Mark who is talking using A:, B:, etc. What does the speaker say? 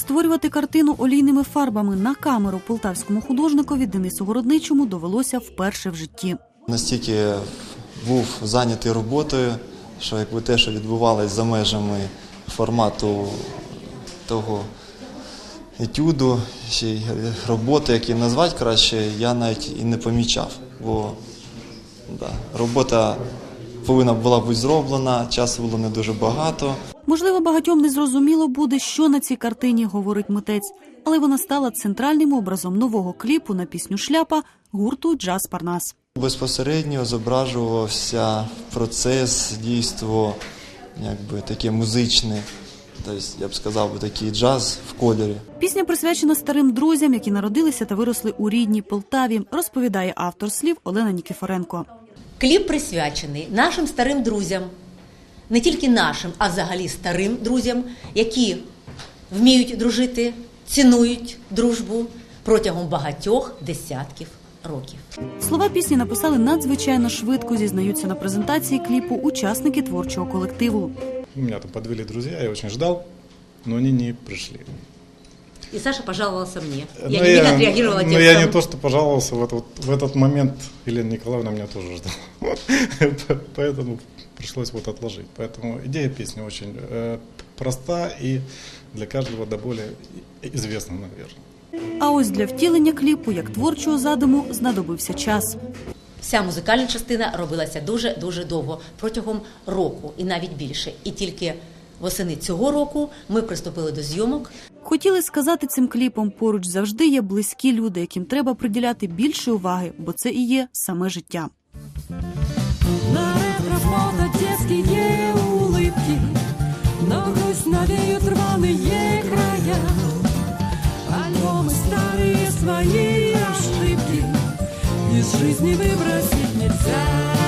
A: Створювати картину олійними фарбами на камеру полтавському художникові Денису Городничому довелося вперше в житті.
B: Настільки був зайнятий роботою, що якби те, що відбувалося за межами формату того етюду, ще й роботи, які назвати краще, я навіть і не помічав. Бо робота повинна була бути зроблена, часу було не дуже багато.
A: Можливо, багатьом не зрозуміло буде, що на цій картині говорить митець, але вона стала центральним образом нового кліпу на пісню «Шляпа» гурту «Джаз Парнас».
B: Безпосередньо зображувався процес, дійство, якби таке музичне, тобто, я б сказав, такий джаз в кольорі.
A: Пісня присвячена старим друзям, які народилися та виросли у рідній Полтаві, розповідає автор слів Олена Нікіфоренко.
C: Кліп присвячений нашим старим друзям, не тільки нашим, а взагалі старим друзям, які вміють дружити, цінують дружбу протягом багатьох десятків років.
A: Слова пісні написали надзвичайно швидко, зізнаються на презентації кліпу учасники творчого колективу.
D: Меня там подвели друзья, я очень ждал, но они не пришли.
C: И Саша пожаловался мне. Я немедленно отреагировала текстом.
D: Но я не то, что пожаловался, в этот момент Елена Николаевна меня тоже ждала. Поэтому пришлось отложить. Поэтому идея песни очень проста и для каждого до боли известна, наверное.
A: А ось для втілення кліпу, як творчого задуму, знадобився час.
C: Вся музикальна частина робилася дуже-дуже довго, протягом року і навіть більше. І тільки восени цього року ми приступили до зйомок.
A: Хотіли сказати цим кліпом, поруч завжди є близькі люди, яким треба приділяти більше уваги, бо це і є саме життя.
E: На ретро-фото детские улыбки, но грусть навеют рваные края. Альбомы старые, свои ошибки из жизни выбросить нельзя.